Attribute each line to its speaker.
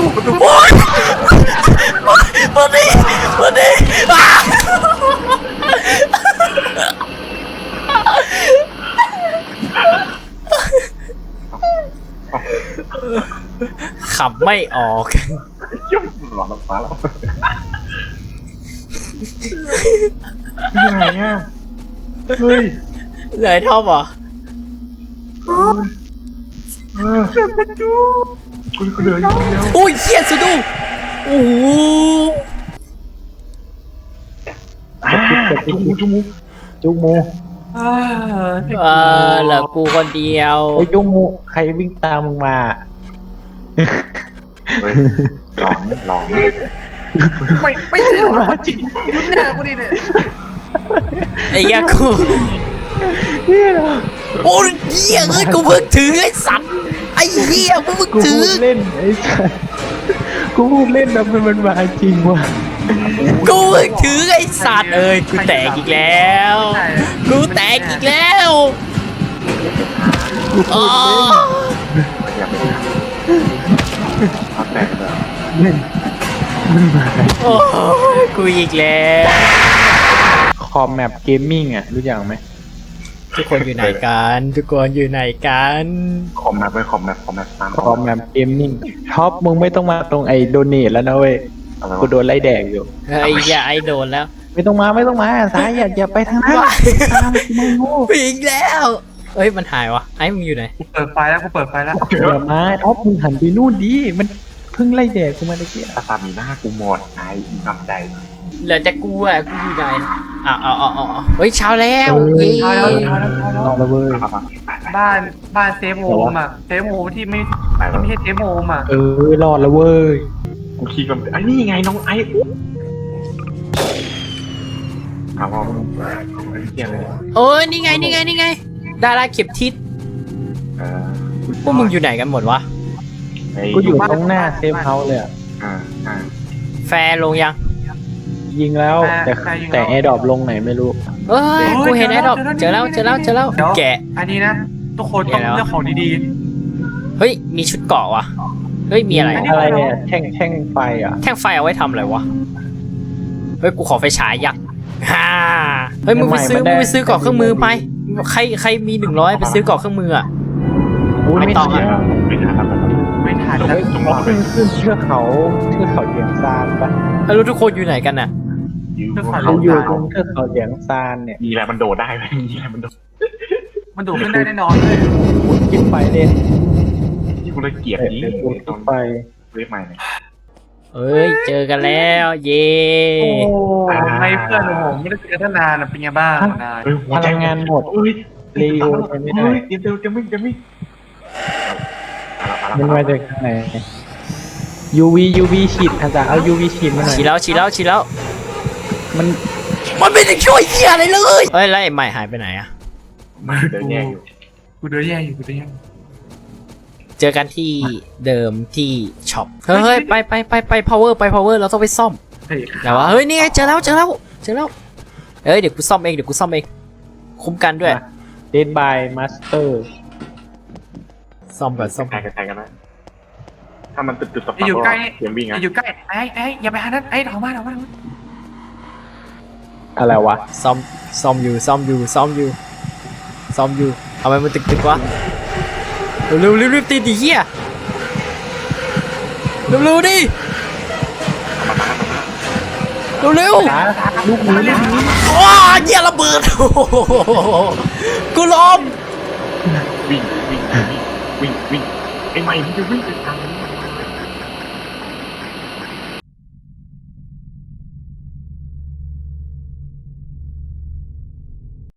Speaker 1: โอ๊ยมาดิขับไม่ออก
Speaker 2: ยุ่งหลอนฟ้าแล้วยังไงอ่ะเฮ้ย
Speaker 1: เหนื่อยท่อมเหรอ
Speaker 2: กูเหลืออยู่คนเดียว
Speaker 1: โอ้ยเฮียสุดูโอ้โห
Speaker 3: จุกมู
Speaker 1: เหลือกูคนเดียว
Speaker 3: ไอ้จุกมูใครวิ่งตามมึงมา
Speaker 2: เฮ้ยหลอน
Speaker 4: ไม่ใช่หรอจริงหน้ากูดิเนี่ย
Speaker 1: ไอ้เหี้ยกูโอ้ยเหี้ยเอ้ยกูเพิ่งถือไอ้สัตว์ไอ้เหี้ยกูเพิ่ง
Speaker 3: กู
Speaker 1: ถื
Speaker 3: พู
Speaker 1: อ
Speaker 3: ดเล่นไอ้สัสกูพูดเล่นแล้วมันมาจริงว่ะ
Speaker 1: กูเพิ่งถือไอ้สัตว์เอ้ยกูแตกอีกแล้วกูแตกอีกแล้วอ๋อ
Speaker 2: อยากไปทำแตกเลย
Speaker 3: เล่นมันมา
Speaker 1: โอ้ยกูอีกแล้ว
Speaker 3: คอมแมปเกมมิ่งอ่ะรู้จักไหม
Speaker 1: ทุกคนอยู่ไหนกันทุกคนอยู่ไหนกัน
Speaker 2: คอมแมปตาม
Speaker 3: คอมแมปเกมมิ่งท็อปมึงไม่ต้องมาตรงไอ้โดเนทแล้วนะเว้ย
Speaker 2: อะไร
Speaker 3: กู
Speaker 2: วะ
Speaker 3: โดนไล่แดกอยู่
Speaker 1: เฮ้ยอย่าไอโดนแล้ว
Speaker 3: ไม่ต้องมาสายอย่าไปทางนั้นตามกูไม่รู้
Speaker 1: อีกแล้วเฮ้ยมันหายวะไอ้มึงอยู่ไหน
Speaker 4: กูเปิดไฟแล้วท็
Speaker 3: อย่ามาท็อปมึงหันไปนู่นดิมันเพิ่งไล่แดกกูมาตะเกียบ
Speaker 2: ตาตามีหน้ากูหมดไอ้ทำใจ
Speaker 1: เหลือแต่กูอ่ะกูอยู่ไหนเอาเฮ้ยเช้าแล้วเย้
Speaker 3: ลองละเว้ย
Speaker 4: บ้านเซฟโฮมอ่ะเซฟโฮมที่ไม่ใช่เซฟโฮมอ่ะ
Speaker 3: รอดละเว้ย
Speaker 2: กูคิดกันไอ้นี่ไงน้องไอ้เอาว่าไม่เกี่ยเลย
Speaker 1: โอ้ยนี่ไงดาราเข็มทิศพวกมึงอยู่ไหนกันหมดวะ
Speaker 3: กูอยู่ตรงหน้าเซฟเฮาส์เลยอ่ะ
Speaker 1: แฟร์ลงยัง
Speaker 3: ยิงแล้วแต่แอร์ดรอปลงไหนไม่รู้
Speaker 1: เอ้ยกูเห็นไอ้ดอกเจอแล้วแกะ
Speaker 4: อันนี้นะทุกคนต้องเลือกของดี
Speaker 1: เฮ้ยมีชุดเกราะวะเฮ้ยมีอะไร
Speaker 3: อะไรเนี่ยแท่งไฟอ่ะ
Speaker 1: แท่งไฟเอาไว้ทำอะไรวะเฮ้ยกูขอไฟฉายยักษ์ฮ่าเฮ้ยมึงไปซื้อเกราะเครื่องมือไปใครมี100ไปซื้อเกราะเครื่องมืออ่ะ ไม่ต้องอะ
Speaker 2: ไม่ทัน
Speaker 4: ๆไม่ทัน
Speaker 3: เฮ้ยขึ้นเชือกเขาเสียงซานปะ
Speaker 1: แล้วทุกคนอยู่ไหนกันน่ะ
Speaker 3: เขาอยู่ตรงเชือกเขาเสียงซานเนี่ย
Speaker 2: มีอะไรมันโดดได้ไหมมีอะไรมันโดด
Speaker 4: มันดูขึ้นได้แน่นอนเลย
Speaker 3: กินไฟเล่น
Speaker 2: ที่กูเลยเกลียดนี้
Speaker 3: กูกินไฟ
Speaker 2: เรียกใหม่เนี่ย
Speaker 1: เอ้ยเจอกันแล้วเย้
Speaker 4: โอ้ไม่เพื่อนผมไม่ได้เจอกันนานเป็นไงบ้างนาย
Speaker 3: พลังงานหมด
Speaker 2: เอ้ย
Speaker 3: เรียวไปไม่ได้
Speaker 2: เดี๋ยวจะไม่
Speaker 3: มันมาจากทางไหน UV ฉีดอาจารย์เอา UV ฉีดมาหน่อย
Speaker 1: ฉีดแล้ว
Speaker 3: มัน
Speaker 1: มันไม่ได้ช่วยเหี้ยอะไรเลยเฮ้ยแล้วไอ้ใหม่หายไปไหนอะ
Speaker 2: มันเดินแย่อยู่
Speaker 4: กูเดือดแย่อยู่
Speaker 1: เจอกันที่เดิมที่ช็อปเฮ้ยไป power เราต้องไปซ่อม
Speaker 4: เฮ้ย
Speaker 1: แต่ว่าเฮ้ยนี่ไงเจอแล้วเอ้ยเดี๋ยวกูซ่อมเองคุ้มกันด้วย
Speaker 3: Dead by Master
Speaker 1: ซ่อมก่อน
Speaker 2: ใครกันนะถ้ามันตึ๊ดต่อ
Speaker 4: อยู่ใกล้
Speaker 2: เสียงวิ่งอ่ะ
Speaker 4: อยู่ใกล้ไอ้อย่าไปหานั้นไอ้ถอมา
Speaker 3: อะไรวะ
Speaker 1: ซ่อมอยู่ทำไมมันตึกวะเร็วรีบตีดิเหี้ยเร็วดิเร็ว
Speaker 3: ลูกนี้
Speaker 1: ว้าเหี้ยระเบิดกูล้ม
Speaker 2: วิ่งไอ้ใหม่ที่จะวิ่งไปทางนี้